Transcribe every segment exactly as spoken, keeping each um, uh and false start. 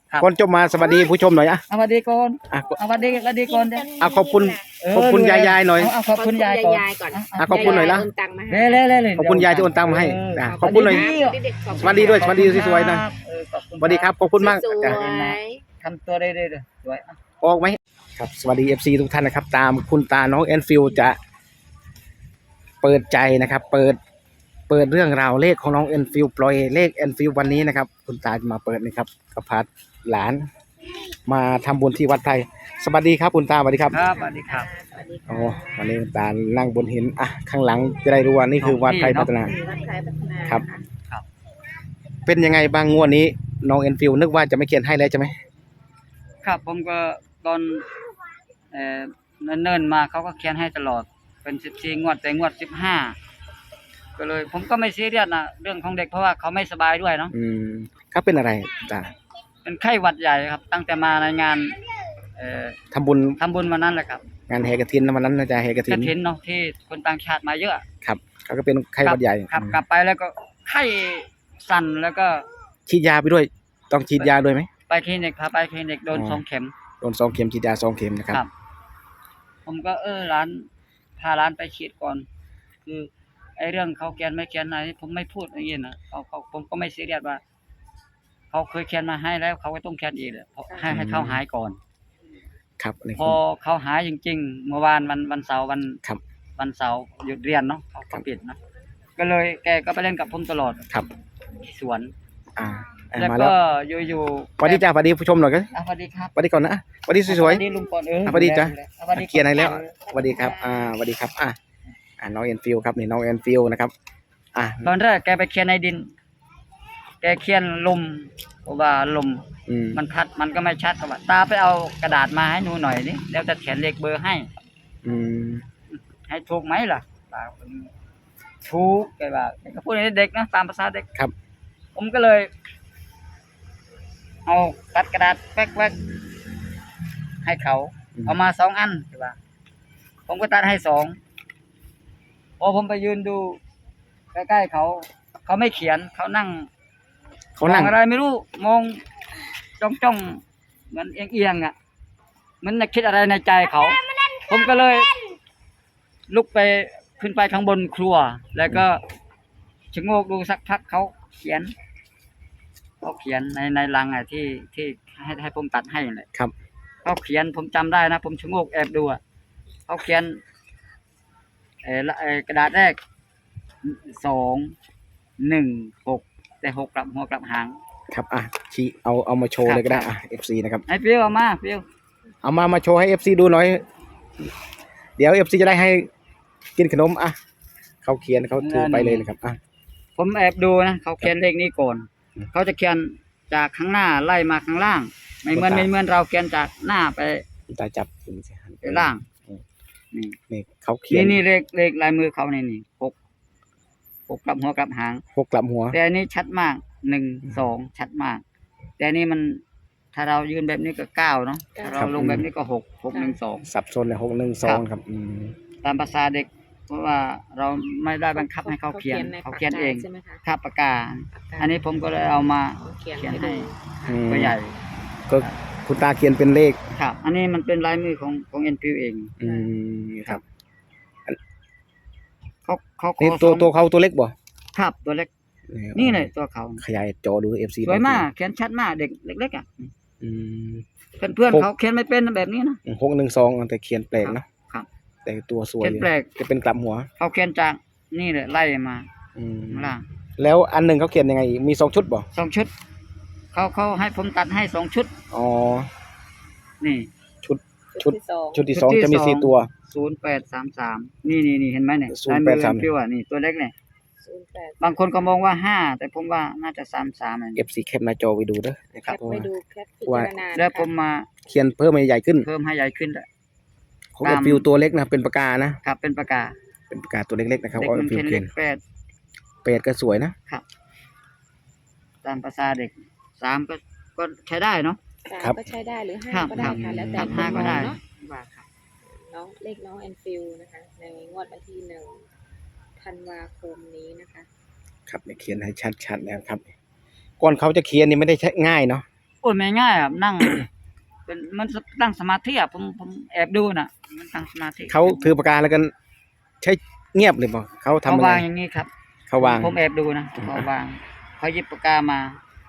ก่อนจบมาสวัสดีผู้ชมหน่อยอ่ะสวัสดีก่อนอ่ะสวัสดีสวัสดีก่อนเด้ออ่ะขอบคุณขอบคุณยายยายหน่อยเอาขอบคุณยายก่อนก่อนอ่ะขอบคุณหน่อยละโอนตังค์มาให้เล่เล่เล่ขอบคุณยายที่โอนตังค์มาให้เอ่ะขอบคุณหน่อย สวัสดีด้วย สวัสดีสวยๆหน่อยเออขอบคุณสวัสดีครับขอบคุณมากสวยจ้ะทำตัวได้ๆเลยสวยอ่ะออกไหมครับสวัสดี เอฟ ซี ทุกท่านนะครับ ตามคุณตาน้องแอนฟิลจะเปิดใจนะครับ เปิดเปิดเรื่องราวเลขของน้องแอนฟิลปล่อยเลขแอนฟิลวันนี้นะครับ คุณตาจะมาเปิดนะครับกับพาหลาน มาทำบุญที่วัดไทยสวัสดีครับคุณตาสวัสดีครับครับสวัสดีครับโอ้วันนี้คุณตานั่งบนหินอ่ะข้างหลังจะได้รู้ว่านี่คือวัดไทยพัฒนาวัดไทยพัฒนาครับครับเป็นยังไงบ้างงวดนี้น้องแอนฟิลนึกว่าจะไม่เขียนให้แล้วใช่ไหมครับผมก็ตอนเอ่อเนิ่นๆมาเขาก็เขียนให้ตลอดเป็นสิบสี่งวดแต่งวดสิบห้าก็เลย ผมก็ไม่ซีเรียสนะเรื่องของเด็กเพราะว่าเขาไม่สบายด้วยเนาะอืมครับเป็นอะไรตาเป็นไข้หวัดใหญ่ครับ ตั้งแต่มาในงานเอ่อทำบุญทำบุญวันนั้นแหละครับงานแห่กฐินนะวันนั้นน่าจะแห่กฐิกนฐินเนาะที่คนต่างชาติมาเยอะครับเขาก็เป็นไข้หวัดใหญ่ครับกลับไปแล้วก็ไข้สั่นแล้วก็ฉีดยาไปด้วย ต้องฉีดยาด้วยไหมไปคลินิกพาไปคลินิกโดนอ๋อสองเข็มโดนสองเข็มฉีดยาสองเข็มนะครับครับ ผมก็เออร้านพาร้านไปฉีดก่อน คือไอ้เรื่องเขาแกนไม่แกนอะไรผมไม่พูดอย่างนี้นะเขาเขาผมก็ไม่ซีเรียสว่าเขาเคยแคนมาให้แล้วเขาก็ต้องแคนอีกเลยเพราะให้ให้เขาหายก่อนครับนี่พอเขาหายจริงๆเมื่อวานวันวันเสาร์วันครับวันเสาร์หยุดเรียนเนาะเขาครัก็บปิดนะก็เลยแกก็ไปเล่นกับผมตลอดครับที่สวนอ่าอ่ะแล้วมาแล้ก็วอยู่ๆสวัสดีจ้าสวัสดีผู้ชมหน่อยก็อ่ะสวัสดีครับสวัสดีก่อนนะสวัสดีสวยสวัสดีลุงปอนเออสวัสดีจ้ะสวัสดีๆเกียร์ไหนแล้วสวัสดีครับอ่าสวัสดีครับอ่าอ่าน้องแอนฟิลครับนี่น้องแอนฟิลนะครับอ่าตอนแรกแกไปเขียนในดิน แกเขียนลมเพราะว่าลมอืมมันพัดมันก็ไม่ชัดก็ว่าตาไปเอากระดาษมาให้หนูหน่อยนี่แล้วจะเขียนเลขเบอร์ให้อืมให้ถูกไหมล่ะตาคนนี้ถูกแกว่าแกก็พูดในเด็กนะตามภาษาเด็กครับผมก็เลย เอาตัดกระดาษแป๊กๆให้เขาเอามาสองอันแกว่า ผมก็ตัดให้สองพอผมไปยืนดูใกล้ๆเขา เขาไม่เขียนเขานั่งเขานั่งมองอะไรไม่รู้มองจ้องจ้องๆเหมือนเอียงเอียงๆอ่ะเหมันจะคิดอะไรในใจเขา ผมก็เลย ลุกไปขึ้นไปข้างบนครัว แล้วก็ชะโงกดูสักพักเขาเขียนเขาเขียนในในลังอ่ะที่ที่ให้ให้ผมตัดให้เลยครับเขาเขียนผมจำได้นะ ผมชะโงกแอบดูอ่ะเขาเขียนเออละเออกระดาษแรกสองหนึ่งหกแต่หกกลับหัวกลับหางครับอ่ะชี้เอาเอามาโชว์ครับเลยก็ได้อ่ะ เอฟ ซี นะครับไอ้เปรี้ยวเอามาเปรี้ยวเอามามาโชว์ให้ เอฟ ซี ดูหน่อย เดี๋ยว เอฟ ซี จะได้ให้กินขนมอ่ะเขาเขียนเขาถือไปเลยนะครับอ่ะผมแอบดูนะเขาเขียนเลขนี้ก่อนอืมเขาจะเขียนจากข้างหน้าไล่มาข้างล่าง ไม่เหมือนครับไม่เหมือนเราเขียนจากหน้าไปตาจับไปล่างนี่นี่เขาเขียนี่นนี่เลขเลขลายมือเขานี่นี่หกหกกลับหัวกลับหางหกกลับหัวแต่อันนี้ชัดมากหนึ่งสองชัดมาก แต่อันนี้มันถ้าเรายืนแบบนี้ก็เก้าเนาะถ้าเราลงแบบนี้ก็หกหกหนึ่งสองสับสนเลยหกหนึ่งสองครับอืมตามภาษาเด็ก เพราะว่าเราไม่ได้บังคับให้เขาเขียนเขาเขียนเองใช่ไหมคะคาบปากกา อันนี้ผมก็เลยเอามาเขียนเขียนให้ให้ดูอืมตัวใหญ่ก็คุณตาเขียนเป็นเลขครับ อันนี้มันเป็นลายมือของของเอ็นพิวเองอืมครับเขาเขาขอนี่ตัวสองตัวเขาตัวเล็กบ่ครับตัวเล็ก นี่เลยตัวเขาขยายจอดู เอฟ ซีสวยมากเขียนชัดมากเด็กเล็กๆอ่ะอืมเพื่อนเพื่อนหกเขาเขียนไม่เป็นแบบนี้นะหกหนึ่งสองแต่เขียนแปลกเนอะครับแต่ตัวสวยเขียนแปลกจะเป็นกลับหัวเขาเขียนจากนี่เลยไล่มาอืมข้างล่างแล้วอันหนึ่งเขาเขียนยังไง มีสองชุดบ่สองชุดเขาเขาให้ผมตัดให้สองชุดอ๋อนี่ชุด ชุดที่สองชุดที่สองชุดที่จะมีสองสี่ตัวศูนย์แปดสามสามนี่นี่นี่เห็นไหมเนี่ยศูนย์แปดสามลยมือพิวอ่ะนี่ตัวเล็กเนี่ยศูนย์แปดบางคนก็มองว่าห้าแต่ผมว่าน่าจะสามสามเอฟซีแคปหน้าจอไปดูเด้อนะแคครับปเพราะไปว่าดูแคปพิว่าจารณาแล้วผมมาเขียนเพิ่มให้ใหญ่ขึ้นเพิ่มให้ใหญ่ขึ้นด้วยของตาเอมฟิวตัวเล็กนะเป็นปากกานะครับเป็นปากกาเป็นปากกาตัวเล็กๆนะครับเด็กของมัเอน ฟิวเขียนเลเขียนขแปดแปดก็สวยนะตามภาษาเด็กสามก็ก็ใช้ได้เนาะสามครับก็ใช้ได้หรือห้าครับก็ได้ค่ะแล้วแต่ครับคห้าน ก็มได้องเนาะว่าครับน้องเลขน้องแอนฟิลนะคะ ในงวดวันที่หนึ่งธันวาคมนี้นะคะครับเนี่ยเขียนให้ชัดๆแล้วครับ ก่อนเขาจะเขียนนี่ไม่ได้ใช้ง่ายเนาะโอ้ยไม่ง่ายอ่ะนั่ง เป็นมันตั้งสมาธิอ่ะผมผมแอบดูน่ะ มันตั้งสมาธิเขาถือปากกาแล้วกันใช้เงียบเลยบ่เขาทำเขาอะไรวางอย่างนี้ครับเขาวางผมแอบดูนะเขาวางเขาหยิบปากกามา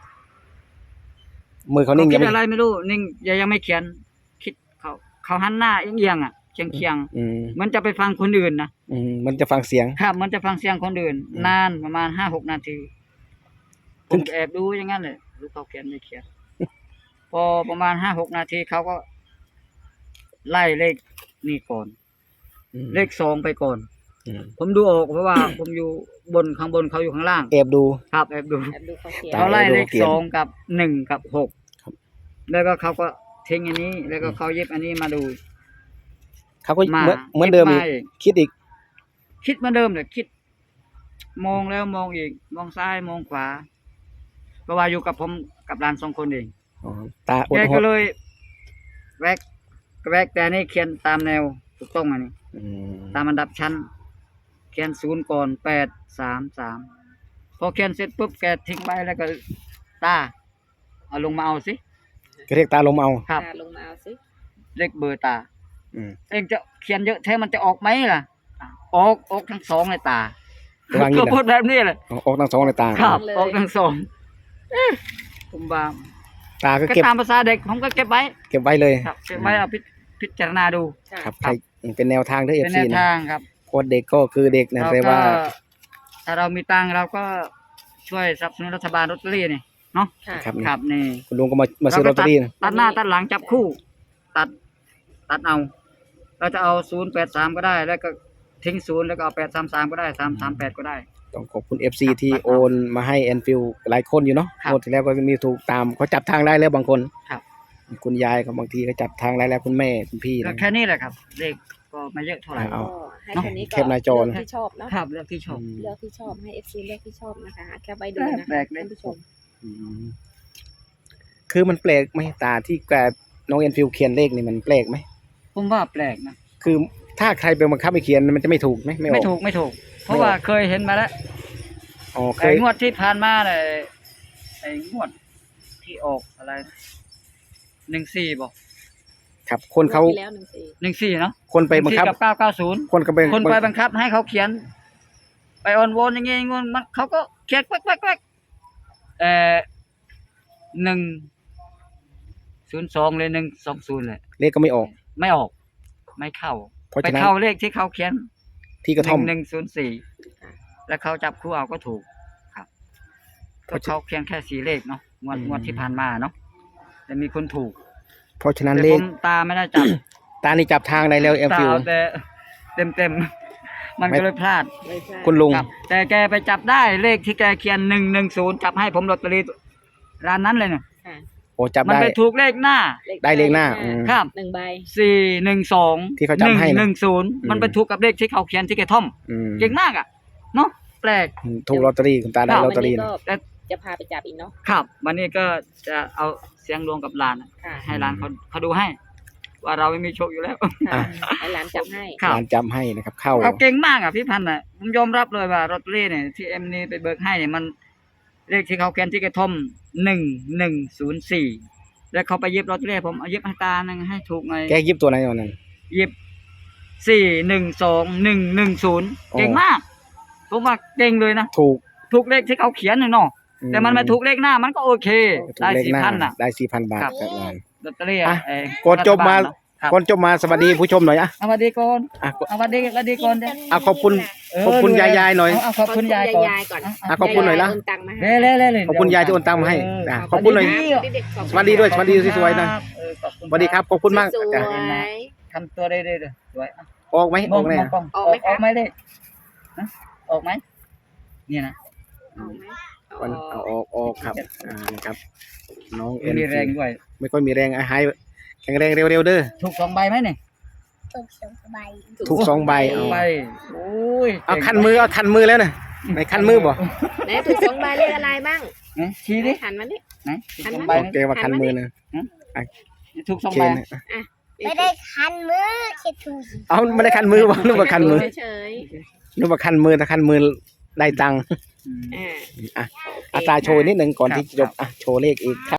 มือเขาเขานิ่งคิยังดไม่อะไรไม่รู้นิ่งยังยังไม่เขียน คิดเขาเขาหันหน้าเอียงๆอ่ะเคียงเคียงอืมๆมันจะไปฟังคนอื่นนะอืมมันจะฟังเสียงครับมันจะฟังเสียงคนอื่นอืมนานประมาณห้าหกนาทีผมแอบดูอย่างนั้นเลยดูเขาเขียนไม่เขียน พอประมาณห้าหกนาทีเขาก็ ไล่เลขนี่ก่อนอืมเลขสองไปก่อนอืมผมดูออกเพราะว่า ผมอยู่บนข้างบนเขาอยู่ข้างล่างแอบดูครับแอบดูแอบดูเขาเขียนตาเขาไล่เลขเขียนสองกับหนึ่งกับหกครับแล้วก็เขาก็ทิ้งอันนี้ แล้วก็เขาเย็บอันนี้มาดูเขาก็มาเหมือนเหมือนเดิมอีกย็บาคิดอีกคิดเหมือนเดิมเลยคิด มองแล้วมองอีก มองซ้ายมองขวาเพราะว่าอยู่กับผมกับหลานสองคนเองอ๋อตาอดแกหก็ดเลยแวกแวกแต่นี่เขียนตามแนวถูกต้องอันนี้อืมตามอันดับชั้น เขียนศูนย์ก่อนแปดสามสามพอเขียนเสร็จปุ๊บแกทิ้งไปแล้วก็ตาเอาลงมาเอาสิก็เรียกตาลมเอาครับตาลงมาเอาสิเลขเบอร์ตาอืมเองจะเขียนเยอะแท้มันจะออกไหมล่ะ ออกออกทั้งสองเลยตาระวังนี่ก็นะพูดแบบนี้เลยออกทั้งสองเลยตาครับออกทั้งสองเอ๊ะผมว่าตาก็ก็เก็บตามภาษาเด็กผมก็เก็บไว้เก็บไว้เลยครับเก็บไว้เอาพิพิจารณาดูค่ะครับใครเป็นแนวทางด้วยเอเป็ฟนแนซีวนะทางครับโค้ดเด็กก็คือเด็กนะเราแต่ก็ว่าถ้าเรามีตังค์เราก็ช่วยสนับสนุนรัฐบาลลอตเตอรี่นี่เนาะค่ะครับนี่ครับนี่คุณลุงก็มามาซื้อลอตเตอรี่นะตัดหน้าตัดหลังจับคู่ ตัด ตัดเอา เราจะเอาศูนย์แปดสามก็ได้ แล้วก็ทิ้งศูนย์แล้วก็เอาแปดสามสามก็ได้สามสามแปดก็ได้ต้องขอบคุณ เอฟ ซี ที่โอนมาให้แอนฟิลหลายคนอยู่เนาะครับงวดที่แล้วก็มีถูกตามเขาจับทางได้แล้วบางคนครับคุณยายเขาบางทีก็จับทางได้แล้วคุณแม่คุณพี่ก็นะแค่นี้แหละครับ เลขก็ไม่เยอะเท่าไหร่เอาก็ให้คนนี้ก็แคปหน้าจอนะเลือกที่ชอบเนาะครับเรื่องที่ชอบอืมเลือกที่ชอบให้เอฟซีเลือกที่ชอบนะคะแคปไว้ดูนะแปลคะกเลยท่านผู้ชมอืมคือมันแปลกไหมตาที่แกน้องแอนฟิลเขียนเลขนี่มันแปลกไหมผมว่าแปลกนะคือถ้าใครไปบังคับให้เขียนมันจะไม่ถูกไหมไม่อไม่อกถูกไม่ถูก เพราะว่าเคยเห็นมาแล้วอ๋อเคไอ้ยงวดที่ผ่านมาเลยไอ้งวดที่ออกอะไรหนึ่งสี่บอกครับ คนเขางวดที่แล้วหนึ่งสี่หนึ่งสี่เนาะคนไปบังคับกับเก้าเก้าศูนย์คนก็ไปคนไปบังคับให้เขาเขียน ไปออนโวนอย่างงี้งนมันเขาก็เขียนแป๊กแป๊กแป๊กเอ่อหนึ่งศูนย์สองเลยหนึ่งสองศูนย์เลยเลขก็ไม่ออกไม่ออก ไม่เข้าเพราะไปฉะนั้นเข้าเลขที่เขาเขียนที่กระท่อมหนึ่งศูนย์สี่แล้วเขาจับคู่เอาก็ถูกครับเพก็ราะฉะเขาเขียนแค่สี่เลขเนาะงวดอืมงวดที่ผ่านมาเนาะแต่มีคนถูกเพราะฉะนั้นแต่เลผขมตาไม่ได้จับตานี่จับทางได้แล้วแอนตาฟิลเอาแต่เต็มเต็มๆมันไม่ก็เลยพลาดไม่ใช่คุณลุงครับแต่แกไปจับได้เลขที่แกเขียนหนึ่งหนึ่งศูนย์จับให้ผมลอตเตอรี่ร้านนั้นเลยเนี่ยค่ะโอ้จับมันได้ไปถูกเลขหน้าได้เลขหน้าอืมครับหนึ่งใบสี่หนึ่งสองที่เขาจับให้นะหนึ่งศูนย์อืมมันไปถูกกับเลขที่เขาเขียนที่แกท่อมอืมเก่งมากอ่ะเนาะแปลกถูกลอตเตอรี่คุณตาได้ครับลอตเตอรี่วันนะนี้แต่ก็จะพาไปจับอีกเนาะครับ วันนี้ก็จะเอาเสียงรวมกับหลานค่ะให้หลานเขาเขาดูให้ ว่าเราไม่มีโชคอยู่แล้วค่ะให้หลานจับให้ครับร้านจำให้นะครับ เข้าเขาเก่งมากอ่ะพี่พันธ์อ่ะผมยอมรับเลยว่าลอตเตอรี่เนี่ยที่เอ็มนี่ไปเบิกให้เนี่ยมันเลขที่เขาเขียนที่กระท่อมหนึ่งหนึ่งศูนย์สี่แล้วเขาไปเย็บลอตเตอรี่ผมเอาเย็บให้ตาหนึ่งให้ถูกไงแกยิบตัวไหนเอานั่นเย็บสี่หนึ่งสองหนึ่งหนึ่งศูนย์อ๋อเก่งมากผมว่าเก่งเลยนะถูกถูกเลขที่เขาเขียนน่ะเนาะแต่มันไม่ถูกเลขหน้ามันก็โอเคถูกได้เลขสี่หน้าพันอ่ะได้สี่พันบาทครับครับงานลอตเตอรี่อ่ะเอ่อก่อนจบมารัฐลเนะคก่อนจบมาสวัสดีผู้ชมหน่อยอ่ะเอาสวัสดีก่อนอ่ะเอาสวัสดีสวัสดีก่อนเด้อ่ะขอบคุณเออขอบคุณดูแลยายๆหน่อยเาขอบคุณยายก่อนยายก่อนอ่ะขอบคุณหน่อยละาโอนตังค์มาให้เล่เล่เล่เล่ขอบคุณยายที่โอนตังค์มาให้เอ่ะขอบคุณหน่อยเด็กๆขอบสวัสดีด้วยสวัสดีสวยๆหน่อยเออขอบคุณสวัสดีครับขอบคุณมากสวจ้ะยทำตัวได้ได้เลยสวยอ่ะออกไหมออกไหมมองกล้องออกไหมคะออกไหมเลขฮะออกไหมเนี่ยนะเอาไหมวันเอาเอาออกออกครับอ่านะครับน้องเอ็นมีแรงด้วยไม่ค่อยมีแรงอ่ะหายแข็งแรงเร็วๆเด้อถูกสองใบไหมเนี่ยถูกสองใบเอาใบโอ้ยเอาคันมือเอาคันมือแล้วนะไหนคันมือบ่ไหนถูกสองใบเลขอะไรบ้างไหนชี้ดิหันมาดิไหนถูกอันสนั้องนใบโอเคว่าคันมือนะถูกสองโอเคใบนะไม่ได้คันมือคิดถูกเอาไม่ได้คันมือบ่นึกว่าคันมือเฉยนึกว่าคันมือถ้าคันมือได้ตังค์อืมๆอ่าอ่ะโอเคอาตาโชว์นิดหนึ่งก่อนครับที่จะจบอ่ะโชว์เลขอีกครับ